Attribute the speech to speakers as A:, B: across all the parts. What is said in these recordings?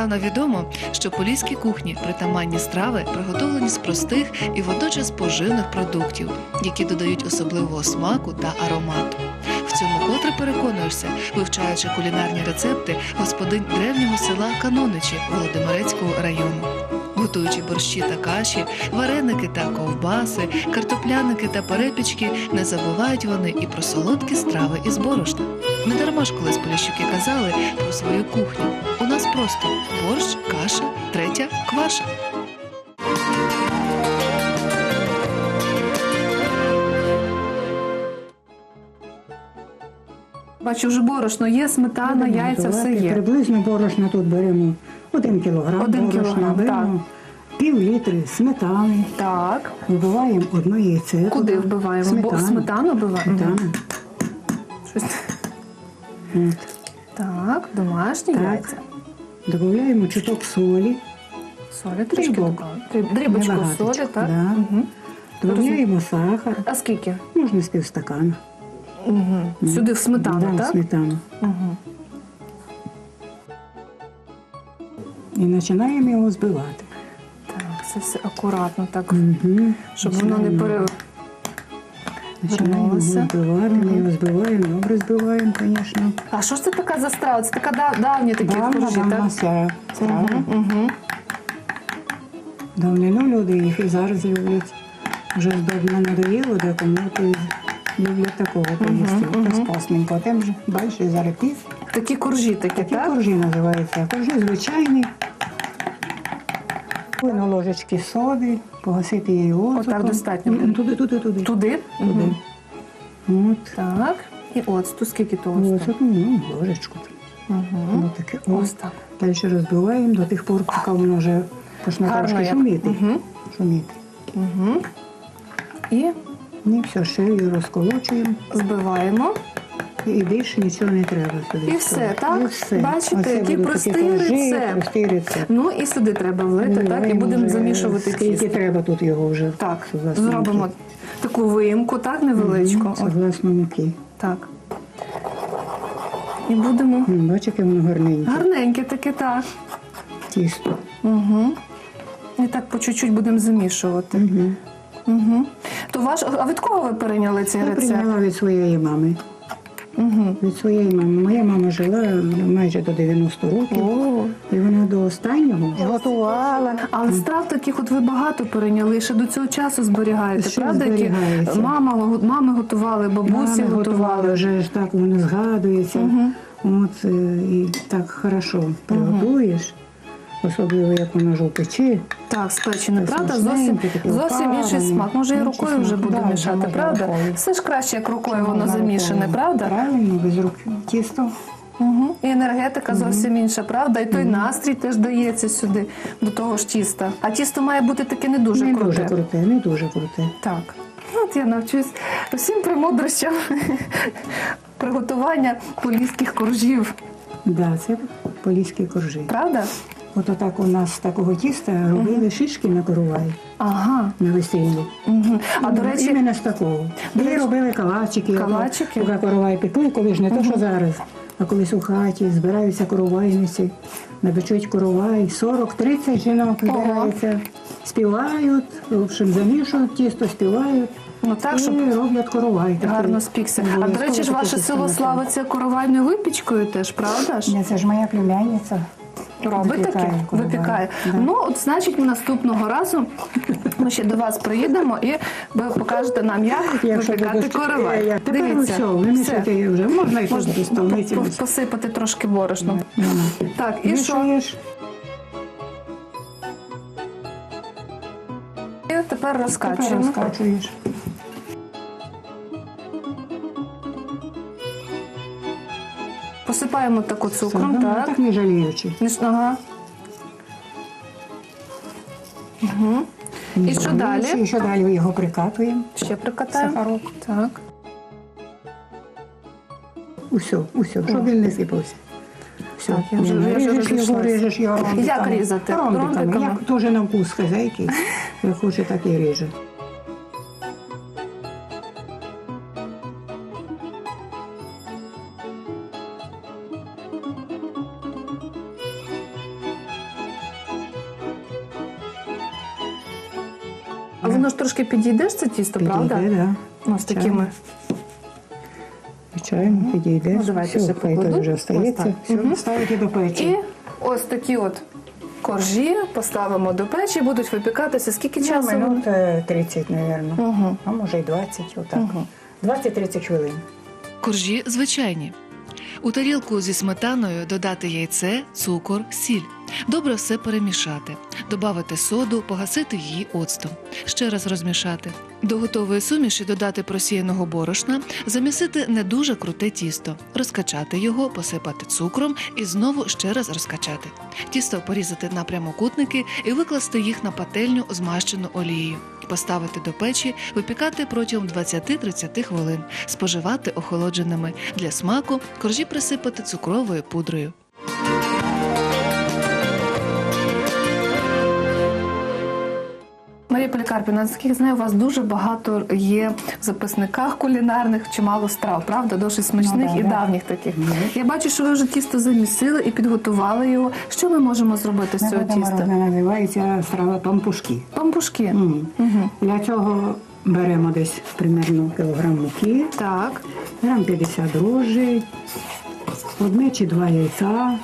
A: Здавна відомо, що поліській кухні притаманні страви приготовлені з простих і водночас поживних продуктів, які додають особливого смаку та аромату. В цьому котре переконуєшся, вивчаючи кулінарні рецепти господинь древнього села Каноничі Володимирецького району. Готуючи борщі та каші, вареники та ковбаси, картопляники та перепічки, не забувають вони і про солодкі страви із борошна. Недарма ж колись поліщуки казали про свою кухню. У нас просто борщ, каша, третя – кваша.
B: Бачу, вже борошно є, сметана, яйця, все є.
C: Приблизно борошна тут беремо 1 кілограм.
B: 1 кілограм,
C: беремо пів-літри сметани.
B: Так.
C: Вбиваємо 1 яйце.
B: Куди вбиваємо? Сметану вбиваємо?
C: Сметану.
B: Щось.
C: От.
B: Так, домашні яйця.
C: Додаємо чуток солі.
B: Солі трішки додаємо. Дрібочку
C: Небагаточку,
B: солі, так?
C: да.
B: Угу.
C: Додаємо сахар.
B: А скільки?
C: Можна з півстакана.
B: Угу. Сюди в сметану,
C: да,
B: так?
C: в сметану.
B: Угу.
C: І починаємо його збивати.
B: Так, це все акуратно, так,
C: Угу.
B: щоб воно не
C: Починаємо його
B: перевернулося.
C: збивати, ми його збиваємо, добре збиваємо, звісно.
B: А що ж це така за страва? Це така давні такі коржі, так?
C: Страва.
B: Угу.
C: Давнину люди їх і зараз люблять. Вже здобно надоїло, декому то й люблять такого поїсти. Розпасненько. Тим же далі зараз пів.
B: Такі коржі такі,
C: Такі
B: так?
C: коржі називаються. Коржі звичайні. На ложечки соди, погасити її оцтом.
B: Отак достатньо буде?
C: Туди.
B: Туди?
C: Туди. От.
B: Так. І оцту, скільки то оцту?
C: Оцет, ложечку.
B: Угу.
C: Таке.
B: Ось так.
C: Далі розбиваємо до тих пор, поки воно вже почне
B: Гарно
C: трошки
B: як.
C: шуміти.
B: Мгм.
C: Шуміти.
B: Угу. І
C: І все, ще її розколочуємо.
B: збиваємо.
C: І більше нічого не треба сюди.
B: І все, так?
C: І все.
B: Бачите,
C: Оце
B: який
C: будуть
B: простий
C: такі коржі,
B: рецепт.
C: простий рецепт.
B: Ну і сюди треба влити, так? І
C: Вливаємо
B: будемо
C: вже
B: замішувати
C: скільки
B: тісто.
C: треба тут його вже.
B: Так,
C: Согласно
B: зробимо
C: муки.
B: таку виїмку, так, невеличку. От,
C: Согласно муки.
B: так. І будемо
C: Бачите, яке воно гарненьке.
B: гарненьке таке, так.
C: Тісто.
B: Угу. І так по чуть-чуть будемо замішувати. Угу. То а від кого ви перейняли цей
C: Я
B: рецепт?
C: прийняла від своєї мами.
B: Угу.
C: Від своєї мами. Моя мама жила майже до 90 років.
B: О.
C: І вона до останнього готувала.
B: Але страв таких от ви багато перейняли, ще до цього часу зберігаєте,
C: Ще
B: правда? Які
C: зберігається.
B: мами готували, бабусі
C: Мами
B: готували.
C: вже ж так воно згадується. От, і так хорошо приготуєш. Особливо, як воно ж у печі.
B: Так, спечене,
C: Це
B: правда?
C: смачненьке, таке
B: Зовсім інший
C: опарене.
B: смак. Може і
C: Інший
B: рукою
C: смак.
B: вже буду
C: Да,
B: мішати,
C: можна
B: правда?
C: рукою.
B: Все ж краще, як рукою воно
C: Можна
B: замішане,
C: рукою.
B: правда?
C: Правильно, без рук тісто.
B: Угу. І енергетика зовсім інша, правда? І той настрій теж дається сюди, до того ж тіста. А тісто має бути таке не дуже
C: Не
B: круте.
C: дуже круте, не дуже круте.
B: Так. От я навчусь всім премудрощам приготування поліських коржів.
C: Да, це поліські коржі.
B: Правда?
C: От отак у нас з такого тіста робили шишки на коровай
B: Ага.
C: на весіллі.
B: Угу. А до речі,
C: Іменно з такого. І робили калачики.
B: Калачики?
C: Поки коровай пекли, коли ж не то, що зараз. А колись у хаті збираються коровайниці, напечуть коровай, 40-30 жінок збираються, співають, в общем, замішують тісто, співають.
B: ну так,
C: І
B: щоб
C: роблять коровай. такий.
B: гарно спікся. А до речі ж, ваше село славиться коровайною випічкою теж, правда ж?
C: Ні, це ж моя племянниця.
B: Робить таке?
C: Випікає коровай.
B: Випікає.
C: Да.
B: Ну, от, значить, наступного разу ми ще до вас приїдемо і ви покажете нам, як випікати коровай.
C: Тепер все, вимішати її вже. Можна і
B: Можна
C: тут столиці.
B: посипати трошки борошном. Так, і що?
C: Мішаєш.
B: І тепер
C: Тепер
B: розкачуємо.
C: розкачуєш.
B: Посипаємо таку цукром,
C: Все,
B: так?
C: так не жаліючи.
B: Ага. Угу.
C: Не
B: І що
C: жаліючи.
B: далі?
C: І що далі його прикатуємо.
B: Ще прикатаємо.
C: Сахарок.
B: Так.
C: Усе, щоб він не сипався. Все,
B: Так, я вже
C: ріжеш його ромбиками.
B: Як різати?
C: Ромбиками.
B: Ромбиками?
C: Як теж на вкус хазяйки. Як хоче, так і ріже.
B: воно ж трошки підійде ж це тісто, правда?
C: Підійде, да.
B: Ось такими.
C: Звичайно, підійде.
B: Ну, давайте
C: Все,
B: ще
C: хай
B: покладу.
C: то вже
B: Ось
C: остається.
B: так.
C: Все, ставити до печі.
B: І ось такі от коржі поставимо до печі, будуть випікатися. Скільки часу? вони?
C: Минут 30, мабуть.
B: Угу.
C: А може й 20, отак. 20-30 хвилин.
A: Коржі звичайні. У тарілку зі сметаною додати яйце, цукор, сіль. Добре все перемішати. Добавити соду, погасити її оцтом. Ще раз розмішати. До готової суміші додати просіяного борошна, замісити не дуже круте тісто, розкачати його, посипати цукром і знову ще раз розкачати. Тісто порізати на прямокутники і викласти їх на пательню, змащену олією. Поставити до печі, випікати протягом 20-30 хвилин, споживати охолодженими. Для смаку коржі присипати цукровою пудрою.
B: Марія Полікарпівна, наскільки знаю, у вас дуже багато є в записниках кулінарних чимало страв, правда? Досить смачних
C: Ну,
B: і
C: да.
B: давніх таких. Я бачу, що ви вже тісто замісили і підготували його. Що ми можемо зробити з цього тіста?
C: Вона називається страва пампушки.
B: Пампушки.
C: Мгм. Для цього беремо десь примерно кілограм муки,
B: Так.
C: грам 50 дрожжей, 1 чи 2 яйця.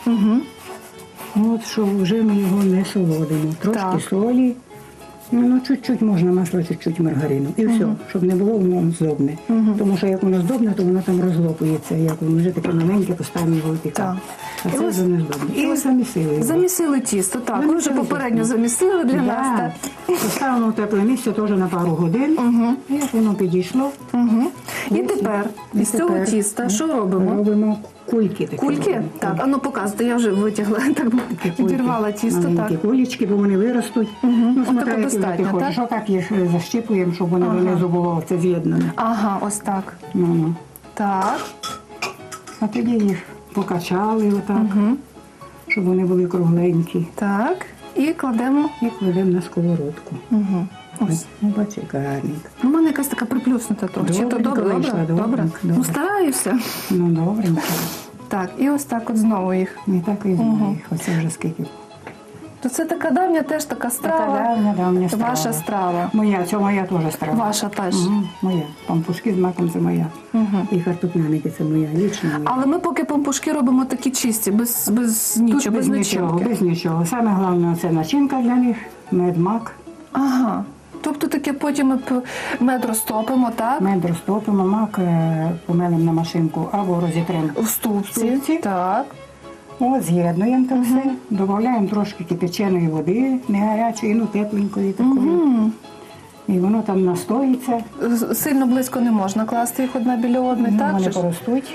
C: От, що вже ми його не солодимо. Трошки
B: Так.
C: солі, ну чуть-чуть можна масло, чуть-чуть маргарину. І все, щоб не було воно здобне. Тому що як воно здобне, то воно там розлопується. Як воно вже таке маленьке, поставимо його випікати. А
B: І
C: це
B: ось-
C: вже не здобне. І замісили його.
B: Замісили тісто, так. Ви вже
C: Замісили
B: попередньо
C: тісто.
B: замісили для нас.
C: Да.
B: Так.
C: Поставимо в тепле місце теж на пару годин. Як воно підійшло.
B: І тепер із цього
C: тепер
B: тіста що робимо?
C: Робимо кульки такі.
B: Кульки?
C: робимо.
B: Так, а ну показуйте, я вже витягла, так
C: Такі кульки.
B: підірвала тісто.
C: Маленькі
B: Так.
C: кулечки, бо вони виростуть. Ну,
B: Отако
C: смотря, які
B: достатньо,
C: ти хочеш.
B: так?
C: Що так їх защіпуємо, щоб вони донизу було це з'єднане.
B: Ага, ось так.
C: Ну.
B: Так.
C: А тоді їх покачали отак, щоб вони були кругленькі.
B: Так. І кладемо.
C: І кладемо на сковородку.
B: Ось.
C: Ну, бачи, гарненько.
B: У мене якась така приплюснута трохи. Чи то
C: Добренько
B: добре?
C: вийшла,
B: Добре?
C: добренько,
B: Ну,
C: добре.
B: стараюся.
C: Ну, добренько.
B: Так, і ось так от знову їх.
C: Не так і знаю. Оце вже скільки.
B: То це така давня теж така страва.
C: Така давня страва.
B: Ваша страва.
C: Моя, це моя теж страва.
B: Ваша теж.
C: Моя. Пампушки з маком це моя. І картопляники це моя, лічно моя.
B: Але ми поки пампушки робимо такі чисті, без нічого,
C: Тут
B: без
C: нічого,
B: начинки.
C: без нічого. Саме головне це начинка для них, мед, мак.
B: Ага. Тобто таке потім ми мед розтопимо, так?
C: Мед розтопимо, мак помелимо на машинку або розітримо.
B: В ступці.
C: Ступці.
B: Так.
C: От, з'єднуємо це все, додаємо трошки кипяченої води, не гарячої, ну тепленької такої. І воно там настоїться,
B: Сильно близько не можна класти їх одна біля одної, так?
C: вони
B: же ж?
C: поростуть.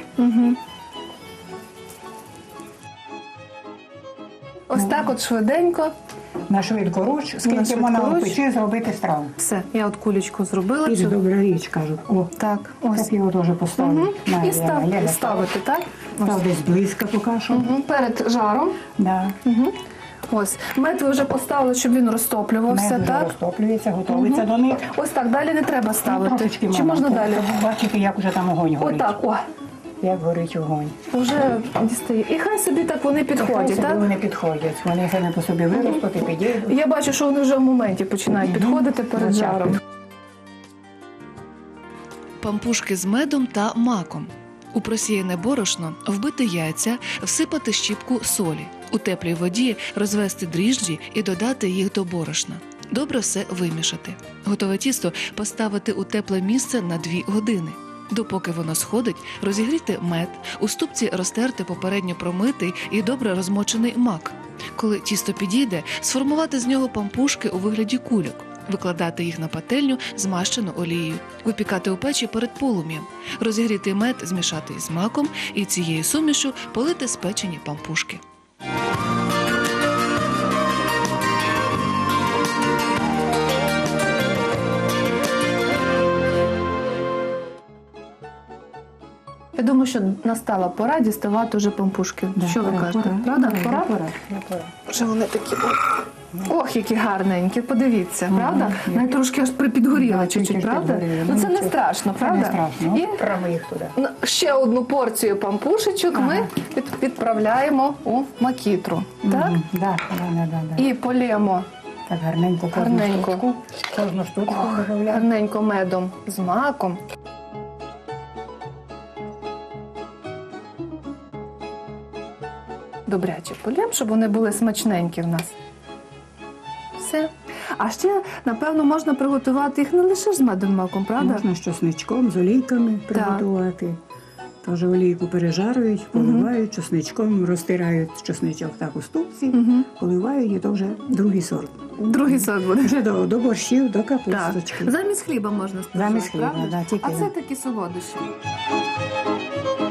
B: Ось так от швиденько.
C: На швидкоруч, скільки
B: швидкоруч.
C: можна у печі зробити страву.
B: Все, я от кулечку зробила.
C: І
B: цю.
C: добра річ, кажуть. О,
B: Так, ось.
C: так його теж поставлю.
B: І ставити, так?
C: Став десь близько поки що.
B: Перед жаром.
C: Да.
B: Ось. Мед ви вже поставили, щоб він розтоплювався,
C: Мед вже
B: так?
C: розтоплюється, готується до них.
B: Ось так, далі не треба ставити.
C: Трошечки
B: Чи можна далі?
C: Бачите, як вже там огонь горить.
B: Отак, о.
C: Як горить огонь.
B: Вже дістає. І хай собі так вони підходять, так?
C: Вони підходять. Вони самі по собі виростуть і підійдуть.
B: Я бачу, що вони вже в моменті починають підходити перед
C: Звичайно.
B: жаром.
A: Пампушки з медом та маком. У просіяне борошно вбити яйця, всипати щіпку солі. У теплій воді розвести дріжджі і додати їх до борошна. Добре все вимішати. Готове тісто поставити у тепле місце на 2 години. Допоки воно сходить, розігріти мед, у ступці розтерти попередньо промитий і добре розмочений мак. Коли тісто підійде, сформувати з нього пампушки у вигляді кульок. Викладати їх на пательню, змащену олією, випікати у печі перед полум'ям, розігріти мед, змішати із маком і цією сумішю полити спечені пампушки.
B: Я думаю, що настала пора діставати вже пампушки. Що ви кажете? Правда? Пора?
C: Пора.
B: Вже вони такі. Ох, які гарненькі, подивіться, правда? Навіть трошки аж підгоріла
C: Да,
B: чуть-чуть,
C: трішки
B: правда?
C: підгоріли.
B: Ну це
C: Ну,
B: не
C: нічого.
B: страшно,
C: Це
B: правда?
C: не страшно.
B: І
C: Право їх туди.
B: ще одну порцію пампушечок ми відправляємо у макітру. Так?
C: Да.
B: І полємо
C: Так гарненько
B: Гарненько.
C: кожну штучку додаємо.
B: Гарненько медом з маком. Добряче полємо, щоб вони були смачненькі в нас. Все. А ще, напевно, можна приготувати їх не лише з медом маком, правда?
C: Можна з чесничком, з олійками приготувати. Тож олійку пережарюють, поливають чесничком, розтирають чесничок так у ступці, поливають, і то вже другий сорт.
B: Другий сорт буде.
C: Вже до борщів, до
B: Так.
C: капусточки.
B: Замість хліба можна споживати,
C: Замість хліба,
B: правда?
C: да, тільки
B: А це
C: він.
B: такі солодощі.